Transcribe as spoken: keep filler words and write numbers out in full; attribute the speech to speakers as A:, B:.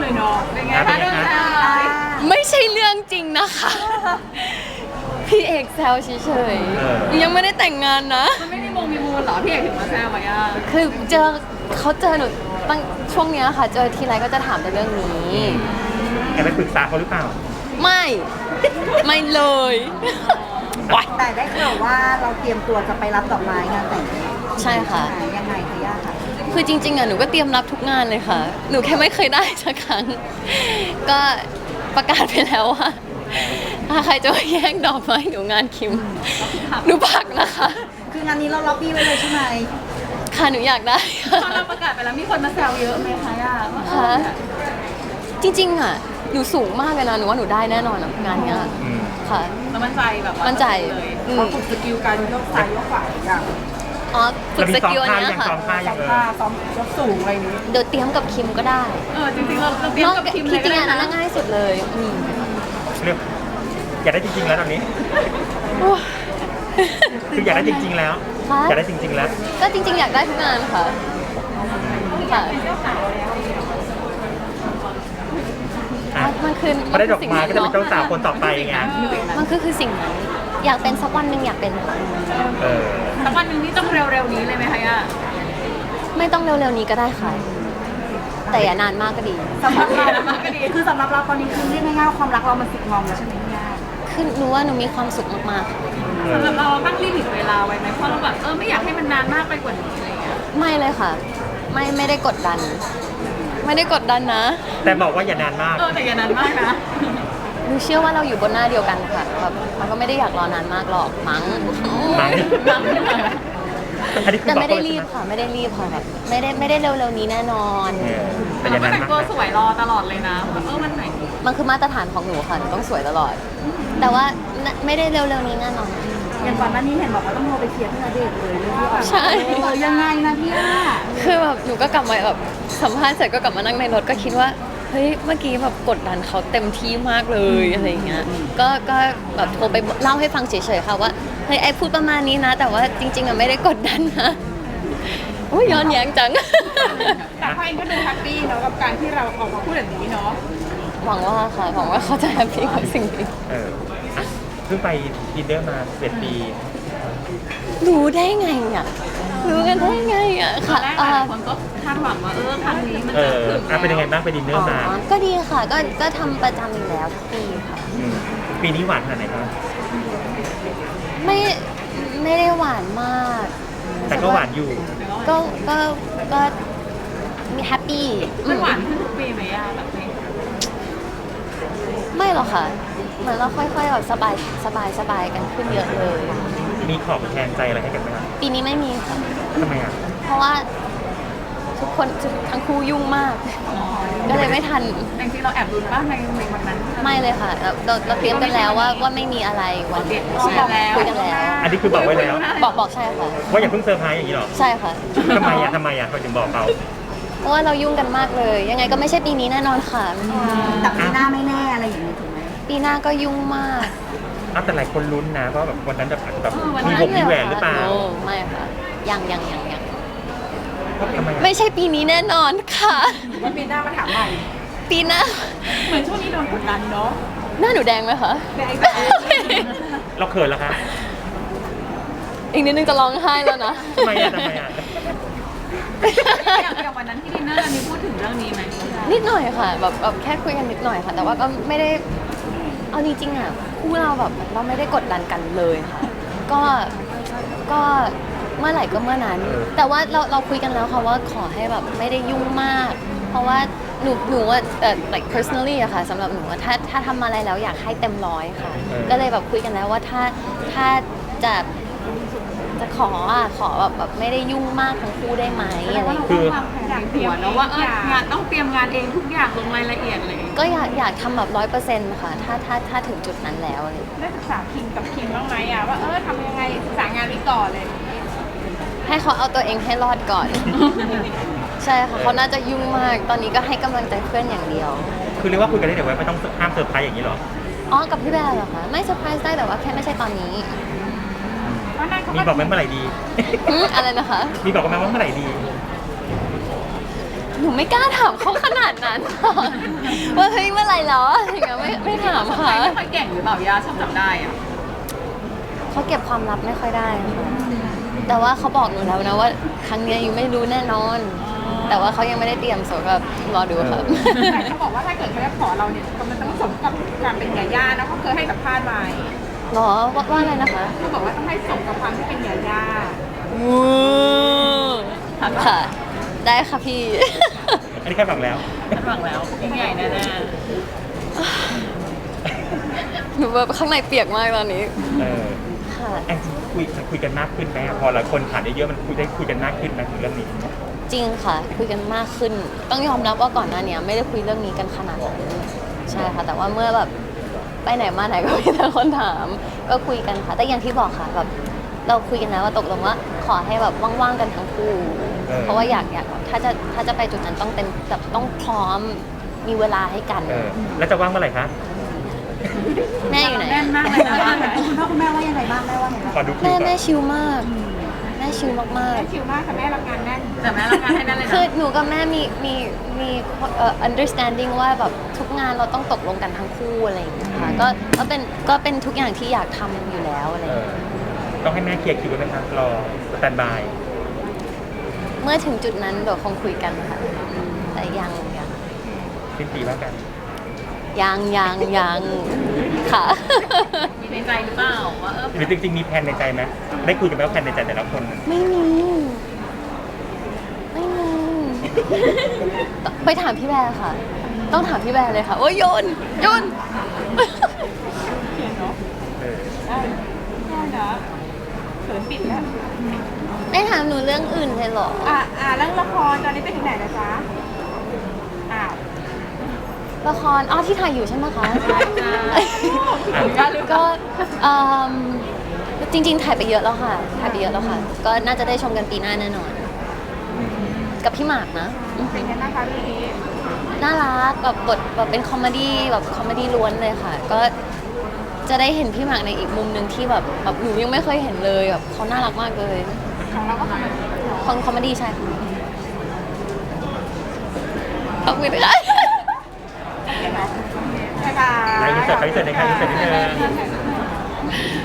A: เลยเนาะเป็นไงคะเรื่องราว
B: ไม่ใช่เรื่องจริงนะคะพี่เอกแซวเฉยๆยังไม่ได้แต่งงานนะ
A: มันไม่มีมงมีมูลเหรอพี่เอกถึงมาแซวมาย่า
B: คือเจอเขาเจอหนูตั้งช่วงเนี้ยค่ะเจอทีไรก็จะถามแต่เรื่องนี้
C: แกไปปรึกษาเขาหรือเปล่า
B: ไม่ไม่เลย
D: แต่ได้ข่าวว่าเราเตรียมตัวจะไปรับดอกไม้งานแต่ง
B: ใช่ค่ะ
D: ยังไงคะย่าค่ะ
B: คือจริงๆอ่ะหนูก็เตรียมรับทุกงานเลยค่ะหนูแค่ไม่เคยได้สักครั้งก็ประกาศไปแล้วว่าถ้าใครจะมาแย่งดอกไม้หนูงานคิมหนูพักนะคะ
D: คืองานนี้เราล็อบบี้ไว้เลยใช่ไหม
B: ค่ะหนูอยากได้
A: พอเราประกาศไปแล้วมีคนมาแซวเยอะไหมคะย่า
B: ค่ะจริงๆอ่ะหนูสูงมากเลยนะหนูว่าหนูได้แน่นอนงานเนี้ยค่ะ
A: แล้วมั่นใจแบบ
B: มั่นใจ
D: เขาฝึกสกิลการยกซ้ายยกขวาอย่าง
B: อ๋อฝึกสกิลอันนี้ค่ะ
C: ซ้อมท่าอย่าง
D: ท่าซ้อมยกสูงอะไรนี้
B: เดี๋ยวเตรียมกับคิมก็ได้
A: เออจริงๆเราเตรียมกับคิมเลย
B: จริงๆอันนั้นง่ายสุดเลย
C: เรื่องอยากได้จริงๆแล้วตอนนี้คืออยากได้จริงๆแล้วอยากได้จริงๆแล้ว
B: ก็จริงๆอยากได้ทุกงานค่ะค่ะมันคือ
C: พอได้ดอกไม้ก็จะเป็นเจ้าสาวคนต่อไปไง
B: มันคือคือสิ่งนั้นอยากเป็นสักวันหนึ่งอยากเป็น
C: เออ
A: สักวันหนึ่งนี่ต้องเร็วๆนี้เลยไหมคะย่า
B: ไม่ต้องเร็วๆนี้ก็ได้ค่ะแต่อย่านานมากก็ดี
D: สำหรับเรามากก็ดีคือสำหรับเราตอนนี้คือเรียกง่ายๆความรักเรามันสึกงอมแล้วใช่ไหมย่า
B: คือหนูว่าหนูมีความสุขมาก
A: ๆสำหรับเราตั้งลิมิตเวลาไว้ไหมเพราะเราแบบเออไม่อยากให้มันนานมากไปกว่านี้อะไรอย่างเงี้ย
B: ไม่เลยค่ะไม่ไม่ได้กดดันไม่ได้กดดันนะ
C: แต่บอกว่าอย่านานมาก
A: เออแต่อย่านานมากนะ
B: หนูเชื่อว่าเราอยู่บนหน้าเดียวกันค่ะแบบมันก็ไม่ได้อยากรอนานมากหรอกมั้ง
C: มั้ง
B: แต่ไม่ได้รีบค่ะไม่ได้รีบค่ะแบบไม่ได้ไม่ได้เร็วๆนี้แน่นอน
A: แต่เราก็แต่งตัวสวยรอตลอดเลยนะเออมันไหน
B: มันคือมาตรฐานของหนูค่ะหนูต้องสวยตลอดแต่ว่าไม่ได้เร็วๆนี้แน่นอน
D: อย่างก่อนหน้านี้เห็นบอกว่าต้องโทรไปเคลียร์ที่นาเดชเลย
B: ใช่
D: ยังไงนะพี่ย่า
B: คือแบบหนูก็กลับมาแบบสัมภาษณ์เสร็จก็กลับมานั่งในรถก็คิดว่าเฮ้ยเมื่อกี้แบบกดดันเขาเต็มที่มากเลยอะไรอย่างเงี้ยก็ก็แบบโทรไปเล่าให้ฟังเฉยๆค่ะว่าเฮ้ยไอพูดประมาณนี้นะแต่ว่าจริงๆอะไม่ได้กดดันนะโอ้ยย้อนแย้งจัง
A: แต่พ่อเองก็ดูแฮปปี้เนาะกับการที่เราออกมาพูดแบบนี้เนาะ
B: หวังว่าค่ะหวังว่าเขาจะแฮปปี้กับสิ่งนี้
C: เออเพิ่งไปดินเนอร์มาสิบเอ็ดปี
B: รู้ได้ไงอ่ะรู้กันได้ไงอ่ะ
A: ค่ะคนก็คาดหวังว่าเออครั้งนี้มันจะถึง
C: เป็นยังไงบ้างไปดินเนอร์มา
B: ก็ดีค่ะก็ก็ทำประจำอยู่แล้วทุกปีค่ะ
C: ปีนี้หวานขนาดไหนครับ
B: ไม่ไม่ได้หวานมาก
C: แต่ก็หวานอยู่
B: ก็ก็ก็มีแฮปปี้
A: มันหวานขึ้นทุกปีไหมย่าแบบนี้
B: ไม่หรอกค่ะเหมือนเราค่อยๆแบบสบายสบายสบายกันขึ้นเยอะเลย
C: มีของแทนใจอะไรให้กันไหมครับ
B: ปีนี้ไม่มีค่ะ
C: ทำไมอ่ะ
B: เพราะว่าทุกคนทั้งคู่ยุ่งมากก็เลยไม่ทัน
A: จริงๆเราแอบรุ้นบ้างในในวันนั้น
B: ไม่เลยค่ะเราเราเราเตรียมกันแล้วว่าว่าไม่มีอะไรวันนี้คุยกันแล้วคุยกันแล้ว
C: อันนี้คือบอกไว้แล้ว
B: บอกบอกใช่ค่ะ
C: ว่าอย่าเพิ่งเซอร์ไพรส์อย่างนี้หรอ
B: ใช่ค่ะ
C: ทำไมอ่ะทำไมอ่ะเขาถึงบอกเรา
B: เพราะว่าเรายุ่งกันมากเลยยังไงก็ไม่ใช่ปีนี้แน่นอนค่ะ
D: แต่ปีหน้าไม่แน่อะไรอย่างนี้ถูกไหม
B: ปีหน้าก็ยุ่งมาก
C: อ้าวแต่หลายคนลุ้นนะเพราะแบบวันนั้นแบบแบบมีวงมีแหวนหรือเปล่า
B: ไม่ค่ะยังยังยังยังไม่ใช่ปีนี้แน่นอนค่ะ
D: ว่าปีหน้ามาถามใหม่
B: ปีหน้า
A: เหมือนช่วงนี้โดนกดดันเนาะ
B: หน้าหนูแดงไหมคะ
A: แดง
C: เราเขินแล้วคะ
B: อีกนิดนึงจะร้องไห้แล้วนะ
C: ทำไมอ่ะทำไมอ่ะ
A: อย่างวันนั้นที่ดินเนอร์มีพูดถึงเรื่องนี้ไหม
B: นิดหน่อยค่ะแบบแบบแค่คุยกันนิดหน่อยค่ะแต่ว่าก็ไม่ได้เอาจริงๆอ่ะคู่เราแบบเราไม่ได้กดดันกันเลยค่ะก็ก็เมื่อไหร่ก็เมื่อนั้นแต่ว่าเราเราคุยกันแล้วค่ะว่าขอให้แบบไม่ได้ยุ่งมากเพราะว่าหนูหนูว่าเอ่อ like personally อะค่ะสำหรับหนูถ้าถ้าทำอะไรแล้วอยากให้เต็มร้อยค่ะก็เลยแบบคุยกันแล้วว่าถ้าถ้าจะจะขออ่ะขอแบบแบบไม่ได้ยุ่งมากทั้งคู่ได้ไหมอะไร
A: คืออยากหัวเนาะว่าเอองานต้องเตรียมงานเองทุกอย่างลงรายละเอียดเลย
B: ก็อยากอยากทำแบบร้อยเปอร์เซ็นต์ค่ะถ้าถ้าถ้าถึงจุดนั้นแล้วเลย
A: ได้ศึกษาคิมกับคิมบ้างไหมอ่ะว่าเออทำยังไงศึกษางานนี้ก่อนเลย
B: ให้เขาเอาตัวเองให้รอดก่อนใช่ค่ะเขาน่าจะยุ่งมากตอนนี้ก็ให้กำลังใจเพื่อนอย่างเดียว
C: คือเรียกว่าคุยกันได้เดี๋ยวไว้ไม่ต้องห้ามเซอร์ไพรส์อย่างนี้หรอ
B: อ๋อกับพี่แบร์เหรอคะไม่เซอร์ไพรส์ได้แต่ว่าแค่ไม่ใช่ตอนนี้
C: มีบอกไหมเมื่อไหร่ดี
B: อะไรนะคะ
C: มีบอกไหมว่าเมื่อไหร่ดี
B: หนูไม่กล้าถามเขาขนาดนั้นค่ะว่าเฮ้ยเมื่อไหรแล้วอะอย่างเงี้ยไม่ไม่ถาม
A: ใคร
B: ค่ะ
A: ไม่ค่อยเก่งหรือเปล่ายาชอบจับได้อะ
B: เขาเก็บความลับไม่ค่อยได้ค่ะแต่ว่าเขาบอกหนูแล้วนะว่าครั้งเนี้ยยูไม่รู้แน่นอน แต่ว่าเขายังไม่ได้เตรียมโสดก็รอดูครับ
A: แต่เขาบอกว่าถ้าเกิดเขาจะขอเราเนี่ยมันต้องสมกับการเป็นยาย่านะเขาเคยให้สัมภาษณ์ไว้
B: หรอว่าว่าอะไรนะคะ
A: เขาบอกว่าต้องให้สมกับความที่เป็นยาย่า
B: วู้ค่ะ ได้ค่ะพี่
C: อันนี้คาดหวังแล้ว
A: คาดหวังแล้วยิ่งใหญ่แน่
B: หนูแบบข้างในเปียกมากตอนนี้
C: เออ
B: ค่ะ
C: แองจี้คุยคุยกันมากขึ้นไหมอะพอหลายคนผ่านเยอะๆมันคุยได้คุยกันมากขึ้นไหมถึงเรื่องนี้
B: จริงค่ะ คุยกันมากขึ้น ต้องยอมรับว่าก่อนหน้านี้ไม่ได้คุยเรื่องนี้กันขนาดนั้นใช่ค่ะ แต่ว่าเมื่อแบบไปไหนมาไหนก็มีแต่คนถาม ก็คุยกันค่ะ แต่อย่างที่บอกค่ะแบบเราคุยกันแล้วว่าตกลงว่าขอให้แบบว่างๆกันทั้งคู่
C: เออ
B: เพราะว่าอยากอยากถ้าจะถ้าจะไปจุดนั้นต้องเต็มแบบต้องพร้อมมีเวลาให้กัน
C: เออแล้วจะว่างเมื่อไหร่คะ
B: แม่อยู่ไหน
A: แน่นมากเลยนะบ้านไหน
D: คุณพ่อคุณแม่ว่ายังไงบ้างแม่ว่าไงบ้าง
C: ขอดูคิว
B: แม่
C: ก่อน
B: แม่ชิลมากแม่ชิลมาก
A: แม่ชิวมากค่ะแม่รับงานแน่นแต่แม่รับงานให้แน่นเลย
B: ๆ
A: นะ
B: คือหนูกับแม่มีมีมีเอ่อ understanding ว่าแบบทุกงานเราต้องตกลงกันทั้งคู่อะไรอย่างเงี้ยค่ะก็ก็เป็นก็เป็นทุกอย่างที่อยากทำอยู่แล้วอะไรอ
C: เอย่าง อ
B: เงี้ย
C: ต้องให้แม่เคลียร์คิวไว้ไหมครับรอสแตนบาย
B: เมื่อถึงจุดนั้นเดี๋ยวคงคุยกันค่ะแต่ยังยัง
C: สิ้นปีว่ากัน
B: ยังยังยังค่ะ
A: มีในใจหรือเปล่าว่าเออ
C: หรือจริงๆมีแผนในใจไหมได้คุยกันไหมว่าแผนในใจแต่ละคน
B: ไม่มี ไม่มี ไปถามพี่แบร์ค่ะ ต้องถามพี่แบร์เลยค่ะ โอ้ยโยนโยน
A: เขียนเนาะ
C: เออ
A: ได้ได้นะเขินปิดแล้ว
B: ไม่ถามหนูเรื่องอื่นเลยเหรอ
A: อ่าอ่าเรื่องละครตอนนี้ไปถึงไหนนะจ๊ะอ้าว
B: ละคร อ๋อที่ถ่ายอยู่ใช่ไหมคะ
A: จ้าก็
B: ก็เอิ่มจริง ๆ ถ่ายไปเยอะแล้วค่ะ ถ่ายไปเยอะแล้วค่ะ ก็น่าจะได้ชมกันปีหน้าแน่นอน กับพี่หมากนะ
A: เป็นยังไงนะคะเรื่องนี้
B: น่ารักแบบบทแบบเป็นคอมเมดี้แบบคอมเมดี้ล้วนเลยค่ะ ก็จะได้เห็นพี่หมากในอีกมุมหนึ่งที่แบบแบบหนูยังไม่เคยเห็นเลยแบบเขาน่ารักมากเลย
A: ของเราก็ทำแบบ
B: คอนคอมเมดี้ใช่ค่ะขอบคุณค่ะ
A: บ๊ายบาย
C: ไลน์อินเสิร์ตไลน์อินเสิร์ตในการอินเสิร์ตนิดนึง